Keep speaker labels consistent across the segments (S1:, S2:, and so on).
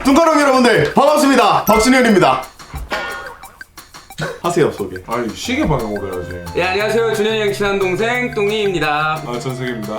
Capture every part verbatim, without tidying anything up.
S1: 뚱가롱 여러분들 반갑습니다. 박준현입니다. 하세요 소개.
S2: 아니 시계 방향으로 해야지.
S3: 네, 안녕하세요. 준현이 형 친한 동생 뚱이입니다.
S2: 아 전세계입니다.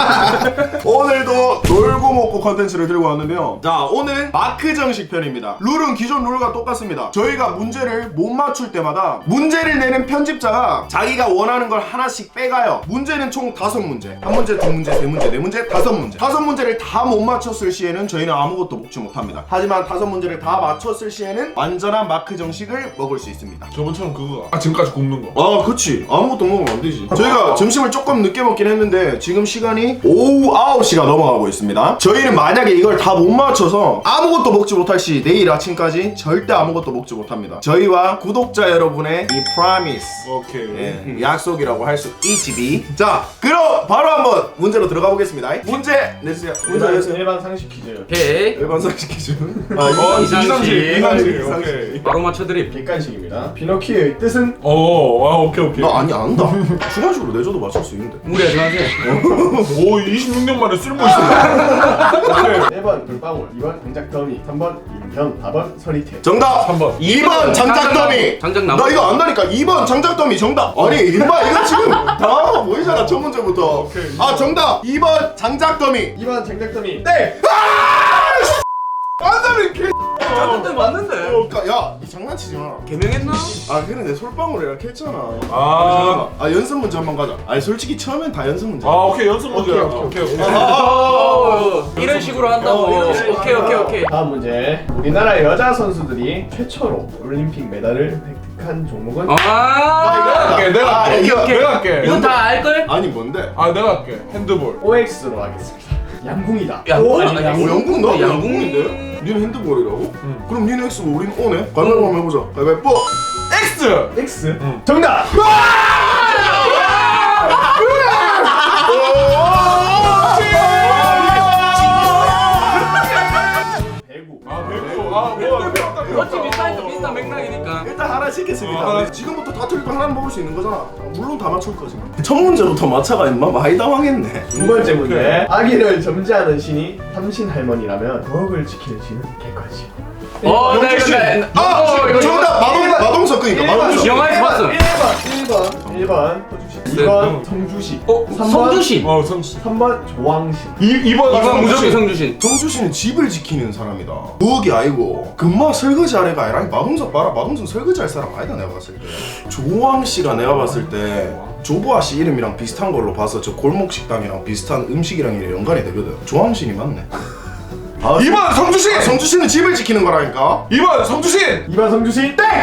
S1: 오늘도 놀고 먹고 컨텐츠를 들고 왔는데요. 자, 오늘 마크 정식 편입니다. 룰은 기존 룰과 똑같습니다. 저희가 문제를 못 맞출 때마다 문제를 내는 편집자가 자기가 원하는 걸 하나씩 빼가요. 문제는 총 다섯 문제. 한 문제, 두 문제, 세 문제, 네 문제, 다섯 문제. 다섯 문제를 다 못 맞췄을 시에는 저희는 아무것도 먹지 못합니다. 하지만 다섯 문제를 다 맞췄을 시에는 완전한 마크 정식을 먹을 수 있습니다.
S2: 저번처럼 그거 아 지금까지 굽는 거.
S1: 아 그치, 아무것도 먹으면 안 되지. 저희가 점심을 조금 늦게 먹긴 했는데 지금 시간이 오후 아홉 시가 넘어가고 있습니다. 저희는 만약에 이걸 다 못 맞춰서 아무것도 먹지 못할 시 내일 아침까지 절대 아무것도 먹지 못합니다. 저희와 구독자 여러분의 이 프라미스,
S2: 오케이.
S1: 예, 약속이라고 할 수 있지. 자, 그럼 바로 한번 문제로 들어가 보겠습니다. 문제 내주세요. 문제 내주세요.
S4: 일반 상식 퀴즈.
S3: 오케이.
S1: 일반 상식 퀴즈. 아,
S2: 어
S1: 일반
S2: 이상식 이상식 오케이.
S3: 바로 맞춰드림.
S4: 객관식입니다. 피노키오의 뜻은?
S2: 어아 오케이 오케이.
S1: 나 아니 안다. 주관식으로 내줘도 맞출 수 있는데.
S3: 무리하지 마세요.
S2: 오 이십육 년 만에 쓸모 있어. 오케이.
S4: 일 번 물방울, 이 번 장작더미, 삼 번 인형, 사 번 서리태.
S1: 정답!
S2: 삼 번.
S1: 이 번 장작더미!
S3: 장작나무.
S1: 나 이거 안다니까. 이 번 장작더미 정답! 아니 임마 이거 지금 당황하고 보이잖아 첫 문제부터.
S2: 오케이.
S1: 아 정답! 이 번 장작더미!
S4: 이 번 장작더미.
S1: 네!
S2: 안다면 개.
S3: 장작도 맞는데.
S1: 어, 야, 이 장난치지 마.
S3: 개명했나?
S1: 아 그래 내 솔방울이라 했잖아.
S2: 아.
S1: 아 연습 문제 한번 가자. 아니 솔직히 처음엔 다 연습 문제.
S2: 아 오케이 연습 문제야.
S4: 오케이,
S2: 오케이
S4: 오케이,
S2: 오케이.
S3: 어, 이런 식으로 한다고.
S1: 어, 이런 식으로
S3: 오케이 오케이 오케이.
S4: 다음 문제. 우리나라 여자 선수들이 최초로 올림픽 메달을 획득한 종목은?
S3: 아.
S2: 오케이 내가
S1: 아,
S2: 할게.
S1: 이거-
S2: 내가 할게.
S3: 이건 다 알걸?
S1: 아니 뭔데?
S2: 아 내가 할게. 핸드볼.
S4: 오엑스로 하겠습니다. 양궁이다.
S3: 양궁
S1: 어,
S3: 아니
S1: 양궁? 양궁 나
S3: 양궁.
S1: 양궁인데? 니는 핸드볼이라고?
S2: 응.
S1: 그럼 니는 X고 우리는 O네? 가위바위보 한번 해보자. 가위바위보!
S2: X.
S4: X.
S2: 응.
S4: 정답. 배구.
S2: 아 배구. 아 뭐.
S3: 어찌 비슷하니까 비슷한 맥락이니까.
S1: 일단 하나 시켰습니다.
S2: 어, 하나.
S1: 지금부터 다 틀리고 하나는 먹을 수 있는 거잖아. 물론 다 맞출 거지. 첫 문제부터 맞춰가 임마 많이 당황했네.
S4: 두 번째 문제. 아기를 점지하는 신이 삼신 할머니라면 부엌을 지키는 신은 객관식.
S3: 어, 나 이거 나.
S1: 아!
S3: 어, 이거
S1: 정답! 마동, 마동석 그니까 마동석.
S3: 영화에서 봤어.
S4: 일 번, 일 번, 일 번 호주신, 이 번 성주신,
S3: 어,
S4: 삼 번
S3: 성주신.
S2: 어 성수.
S4: 삼 번 조왕신.
S2: 이 이번
S3: 이건 무조건 성주신.
S1: 정주 씨는 집을 지키는 사람이다. 부엌이 아니고 금마 설거지 아래가 아니라 마동석 봐라. 마동석 설거지 할 사람 아니다 내가 봤을 때. 조왕 씨가 내가 봤을 때 조보아 씨 이름이랑 비슷한 걸로 봐서 저 골목 식당이랑 비슷한 음식이랑 연관이 되거든. 조왕 씨이 맞네. 아,
S2: 이 번 성주신.
S1: 아, 성주 씨는 집을 지키는 거라니까.
S2: 이 번 성주신.
S4: 이 번 성주신. 땡!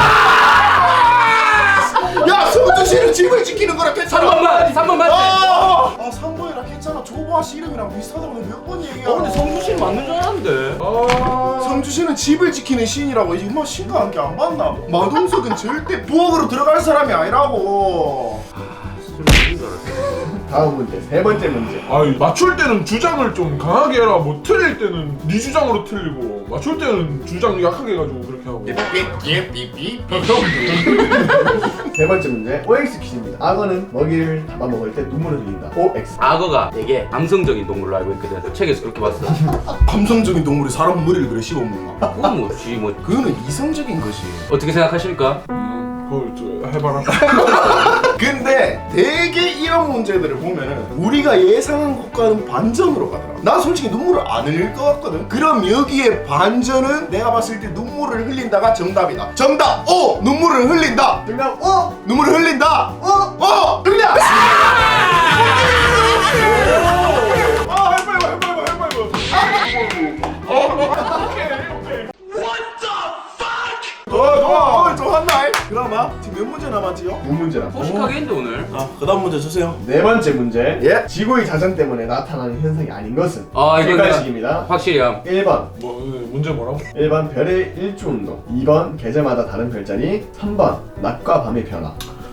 S1: 야, 성주 씨는 집을 지키는 거라 했잖아.
S3: 삼 번 맞. 삼 번 맞지.
S1: 아, 아 삼 번이라 했잖아. 조보아 씨 이름이랑 비슷하다고 몇 번 얘기야.
S3: 어, 근데 성주신 맞는 줄 알았는데.
S2: 아.
S1: 성주 씨는 집을 지키는 신이라고. 이마 신과 함께 안 봤나? 마동석은 절대 부엌으로 들어갈 사람이 아니라고.
S4: 다음 문제, 세 번째 문제.
S2: 아 맞출 때는 주장을 좀 강하게 해라. 뭐 틀릴 때는 네 주장으로 틀리고 맞출 때는 주장 약하게 해가지고 그렇게 하고.
S4: 세 번째 문제, 오엑스 퀴즈입니다. 악어는 먹이를 잡아먹을 때 눈물을 흘린다. 오엑스.
S3: 악어가 되게 감성적인 동물로 알고 있거든. 책에서 그렇게 봤어.
S1: 감성적인 동물이 사람 머리를 그래 씹어먹나?
S3: 그건 뭐지 뭐.
S1: 그거는 이성적인 거지.
S3: 어떻게 생각하십니까?
S2: 그걸 저 해봐라.
S1: 근데 되게 이런 문제들을 보면은 우리가 예상한 것과는 반전으로 가더라. 난 솔직히 눈물을 안 흘릴 것 같거든. 그럼 여기에 반전은 내가 봤을 때 눈물을 흘린다가 정답이다. 정답! 오! 눈물을 흘린다!
S4: 정답, 오!
S1: 눈물을 흘린다!
S4: 오!
S1: 어! 흘려!
S2: 아 해봐봐 해봐봐 해봐봐. 어 오케이 오케이.
S1: 좋아 좋아! 어, 좋았나? 그나마 지금 몇 문제 남았지요?
S4: 두 문제 남았
S3: 소식하게 했는데 오늘.
S1: 아, 그 다음 문제 주세요.
S4: 네 번째 문제.
S1: 예?
S4: 지구의 자전 때문에 나타나는 현상이 아닌 것은?
S3: 아, 이건
S4: 객관식입니다.
S3: 확실히 함.
S4: 일 번,
S2: 뭐 문제 뭐라고?
S4: 일 번 별의 일주운동, 이 번 계절마다 다른 별자리, 삼 번 낮과 밤의 변화.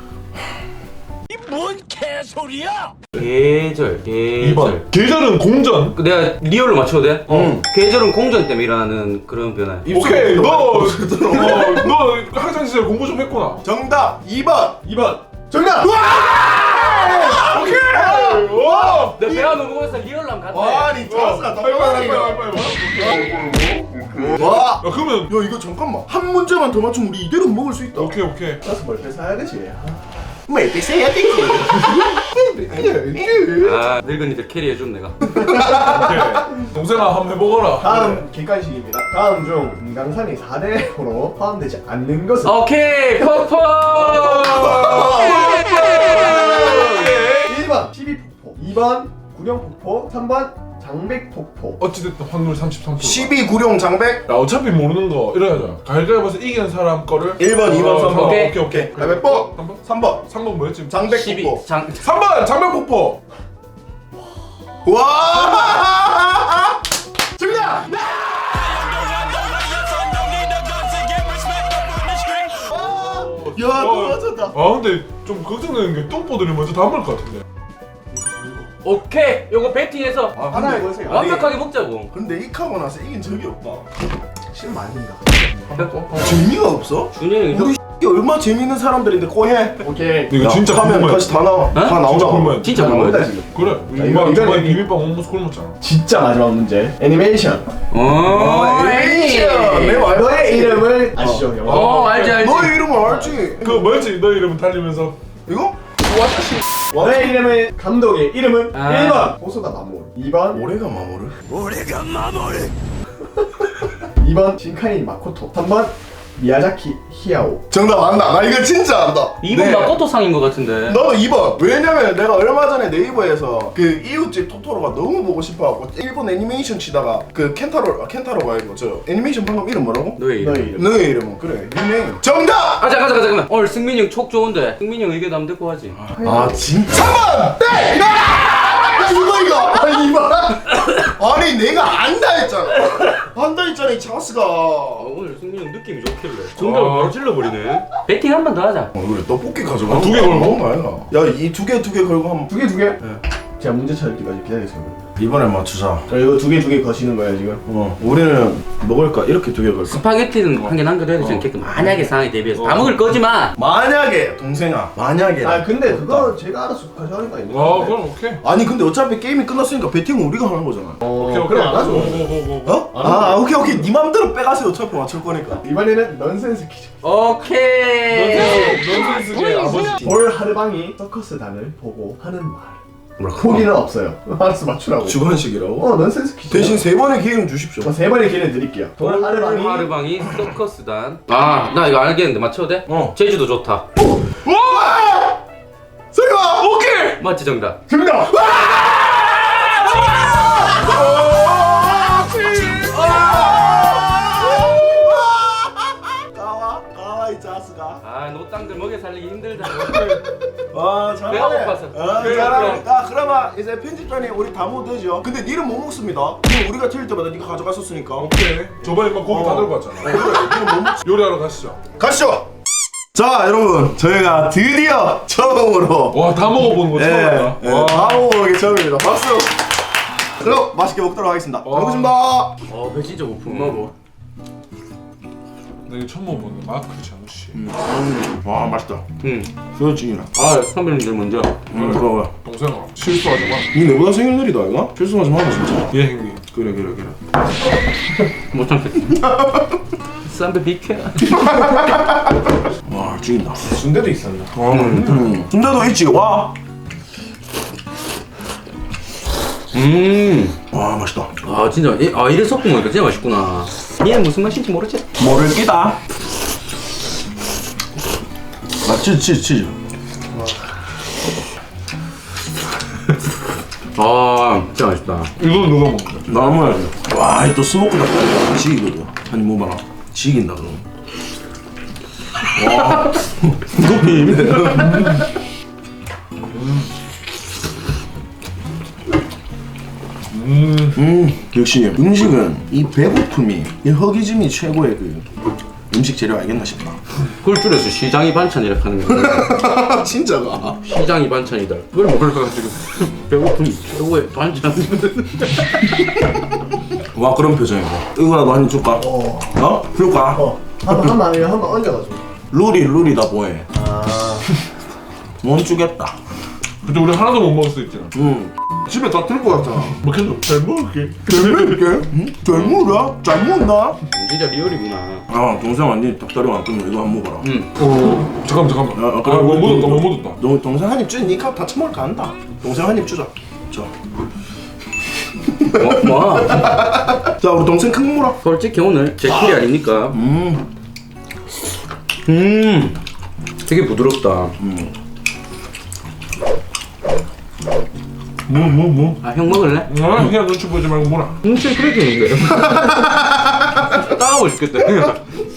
S3: 계절, 계절.
S2: 이 번 계절은 공전.
S3: 그 내가 리얼로 맞춰도 돼?
S1: 응.
S3: 계절은 공전 때문에 일어나는 그런 변화.
S2: 오케이 너 어, 너 학창 시절 공부 좀 했구나.
S1: 정답! 이 번!
S4: 이 번 정답!
S2: 오케이. 와!
S3: 내 배가 너무 고파서 리얼람 같아.
S1: 아니 자스가
S2: 빨리 빨리
S1: 너무
S2: 빨리 빨리.
S1: 와.
S2: 야 그러면
S1: 야 이거 잠깐만 한 문제만 더 맞추면 우리 이대로 먹을 수 있다.
S2: 오케이 오케이.
S4: 자스 벌써 사야 되지.
S1: 뭐 비싸야 되지.
S3: 아 늙은이들 캐리해준 내가.
S2: 오케이. 동생아 한번 해보거라.
S4: 다음 객관식입니다. 다음 중 금강산이 사 대로 포함되지 않는 것은
S3: 오케이 퍼퍼.
S4: 일 번 십이폭포, 이 번 구룡폭포, 삼 번 장백폭포.
S2: 어찌됐든 확률 삼십삼 퍼센트.
S1: 십이 구룡 장백.
S2: 야 어차피 모르는 거 이래야죠. 가위가위보에서 이기는 사람 거를
S1: 일 번, 이 번, 삼 번.
S3: 오케이.
S2: 오케이 오케이.
S1: 가위바위보.
S2: 삼 번?
S1: 삼 번.
S2: 삼 번 뭐였지?
S3: 십이
S1: 장백폭포.
S3: 장.
S2: 삼 번 장명폭포.
S1: 와! 정답! 야, 또 맞췄다.
S2: 아 근데 좀 걱정되는 게 똥보들이 먼저 다 먹을 것 같은데.
S3: 오케이 요거 배팅해서
S1: 아,
S4: 하나
S1: 근데-
S4: 해보세요.
S1: 아니,
S3: 완벽하게 먹자고.
S1: 근데 이카고 나서 이긴 적이 없다.
S4: 실험 아닙니다.
S1: 재미가 없어?
S3: 준영이
S1: 우리 X이 얼마 재밌는 사람들인데 꼬해.
S4: 오케이.
S2: 이거 진짜
S1: 하면
S2: 궁금해.
S1: 다시 다 나와. 다
S2: 진짜
S1: 나오잖아.
S2: 궁금해.
S3: 진짜
S4: 나온다
S3: 굶어야 돼.
S4: 지금.
S2: 그래.
S4: 자,
S2: 이거
S4: 이거-
S2: 이번에
S4: 이거는-
S2: 비빔밥 홈모스 굶었잖아.
S4: 진짜 마지막 문제. 애니메이션.
S3: 어,
S1: 애니메이션. 내 말-
S4: 너의 이름을 아시죠, 영화?
S3: 어 알지 알지.
S1: 너의 이름을 알지?
S2: 그 뭐였지? 너 이름은 달리면서
S1: 이거?
S4: 너의 이름을 감독의 이름은
S3: 아.
S4: 일 번 호소다 마모루, 이 번
S1: 올해가 마모를?
S4: 이 번 신카이 마코토, 삼 번 미야자키 히야오.
S1: 정답 안다. 나 이거 진짜 안다.
S3: 이분
S1: 네.
S3: 마코토 상인 것 같은데.
S1: 나도 이 번. 왜냐면 내가 얼마 전에 네이버에서 그 이웃집 토토로가 너무 보고 싶어갖고 일본 애니메이션 치다가 그 켄타로, 아, 켄타로가 아니고 저 애니메이션 방금 이름 뭐라고?
S3: 너의 이름.
S4: 너의 이름.
S1: 너의 이름은 그래 닉네임 정답!
S3: 아 잠깐 잠깐 잠깐만. 오늘 승민이 형 촉 좋은데 승민이 형 의견 한번 듣고 하지.
S1: 아 진짜? 삼 번! 네! 이거! 야 이거 이거! 아니 이 번! 아니 내가 안다 했잖아. 안다 했잖아 이 자스가.
S3: 아, 오늘 승민이 형 느낌이 좋길래 정답을 바로 찔러버리네. 배팅 한 번 더 하자.
S1: 어 그래 떡볶이 가져가.
S2: 아, 두개 걸고?
S1: 야이 두 개 두 개 걸고 한번
S4: 두 개 두 개? 제가 문제 찾을 때까지 기다리겠습니다.
S1: 이번엔 맞추자.
S4: 자, 이거 두 개 두 개 거시는 거야 지금.
S1: 어 우리는 먹을까 이렇게 두 개 걸까?
S3: 스파게티는 한 개 남겨둬야 되지 않겠까? 만약에 상황에 대비해서 다 먹을 거지만.
S1: 만약에 동생아 만약에
S4: 아 근데 그거 제가 알아서 가져가는 거 아닙니까?
S2: 아 그럼 오케이.
S1: 아니 근데 어차피 게임이 끝났으니까 배팅은 우리가 하는 거잖아.
S4: 어,
S2: 오케이 오케이.
S4: 그럼 안 하죠.
S2: 고고고고.
S1: 어? 아 오케이 오케이 네 맘대로 빼가세요. 어차피 맞출 거니까.
S4: 이번에는 넌센스 퀴즈.
S3: 오케이.
S2: 넌센스의 아버지.
S4: 볼 하르방이 서커스단을 보고 하는 말.
S3: 뭐라고?
S4: 포기는 없어요. 알아서 맞추라고.
S1: 주관식이라고?
S4: 어 넌센스 퀴즈.
S1: 대신 세 번의 기회는 주십시오.
S4: 세 번의 기회를 드릴게요. 돌 하르방이
S3: 하르방이 서커스단. 아 나 이거 알겠는데 맞춰도 돼?
S1: 어.
S3: 제주도 좋다.
S1: 와! 설마! 오케이!
S3: 맞지 정답.
S4: 정답.
S1: 가와 가와 이 자스가.
S3: 아 노땅들 먹여 살리기 힘들다.
S1: 와
S3: 배가 고파서.
S1: 아,
S3: 그래,
S1: 잘하네.
S3: 그래.
S1: 아 그러면 이제 편집단이 우리 다 모으되죠. 근데 니는 못 먹습니다. 그럼 우리가 틀릴 때마다 니가 가져갔었으니까.
S2: 오케이. 저번에 막 고기 다
S1: 어.
S2: 들고 왔잖아.
S1: 그래 니는 못 먹.
S2: 요리하러 가시죠.
S1: 가시죠. 자 여러분 저희가 드디어 처음으로
S2: 와 다 먹어보는 거 처음
S1: 예,
S2: 봤다.
S1: 예,
S2: 와.
S1: 다 먹어보는 게 처음입니다. 박수. 그럼 맛있게 먹도록 하겠습니다. 잘
S2: 와.
S1: 먹겠습니다.
S3: 어배 진짜 고프네.
S1: 먹어.
S2: 나 이거 처음 먹어보는 마크 장씨.
S1: 와 맛있다.
S3: 응.
S1: 소연증이라.
S3: 아 선배님들 먼저.
S1: 음 그래.
S2: 동생아 실수하지 마.
S1: 니 내보다 생일날이다 이거? 실수하지 마 진짜.
S2: 예 형님.
S1: 그래 그래 그래.
S3: 못 참겠다. 쌈배 비켜.
S1: 와 죽인다.
S4: 순대도 있었나?
S1: 음. 순대도 있지. 와.
S3: 음.
S1: 와 맛있다.
S3: 아 진짜 이- 아 이래 섞은 거니까 진짜 맛있구나. 얘는 무슨 맛인지 모르지?
S1: 모를 끼다. 아 치즈 치즈 치즈.
S3: 아 진짜 맛있다.
S2: 이거 누가 먹는 거야?
S1: 나는 와또 스모크 닭다리 지기거든. 아니 뭐 봐라. 지긴다 그럼. 와. 이거 비밀이네.
S2: 음.
S1: 음 역시 음식은 이 배고픔이 이 허기짐이 최고의 그 음식 재료 알겠나 싶다.
S3: 그걸 줄여서 시장이 반찬이라 하는 거야.
S1: 진짜가.
S3: 시장이 반찬이다. 그걸 먹으려가지고 배고픔이 최고의 반찬.
S1: 와 그런 표정이고. 이거라도 한 입 줄까?
S4: 어.
S1: 어? 줄까?
S4: 어. 한번 한번 아니면 한번 얹어가지고.
S1: 룰이 룰이다 뭐해.
S4: 아.
S1: 못 주겠다.
S2: 그때 우리 하나도 못 먹을 수 있잖아.
S1: 응. 집에 다 들고 왔잖아.
S2: 먹겠어. 잘 먹을게.
S1: 잘 먹을게. 응? 잘 먹어라. 잘 먹나?
S3: 진짜 리얼이구나.
S1: 아 동생 완전 닭다리 왔거든. 이거 한번 먹어라.
S3: 응.
S2: 어 잠깐만 잠깐만.
S1: 아,
S2: 아,
S1: 아, 그래,
S2: 뭐 묻었다
S1: 뭐,
S2: 뭐 묻었다.
S1: 너 동생 한 입 주니 니값 다 처먹을까 한다. 동생 한 입 주자. 자.
S3: 뭐? 뭐?
S1: 자 우리 동생 큰 물어.
S3: 솔직히 오늘 제 킬이 아닙니까?
S1: 음.
S3: 음. 되게 부드럽다.
S1: 뭐 뭐 뭐.
S3: 아, 형 먹을래?
S2: 아 그냥 눈치 보지 말고 뭐라.
S3: 음, 진짜 크래킹인데. 따가워 죽겠다.